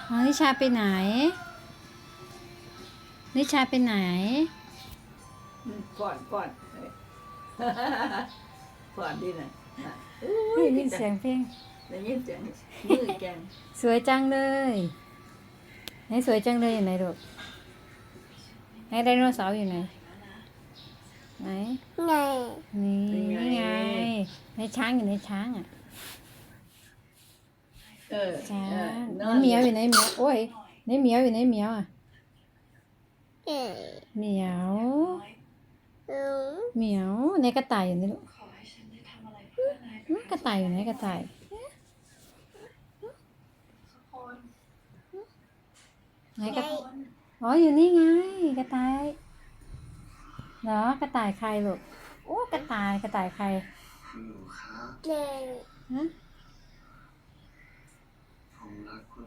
อ๋อนิชาไปไหนนิชาไปไหนก่อนก่อนก่อนดีนะได้ยินเสียงเพลงได้ยินเสียงมือแกงสวยจังเลยไหนสวยจังเลยอยู่ไหนลูกไหนไดโนเสาร์อยู่ไหนไหนไงนี่ไงในช้างอยู่ในช้างอ่ะช้างในเหมียวอยู่ในเหมียวโอ้ยในเหมียวอยู่ในเหมียวอ่ะเอ๋เหมียวอืมเหมียวในกระต่ายอยู่นี่ลูกกระต่ายอยู่ไหนกระต่ายไหนกระอ๋ออยู่นี่ไงกระต่ายเหรอกระต่ายใครลูกโอ้กระต่ายใครเก่งฮะ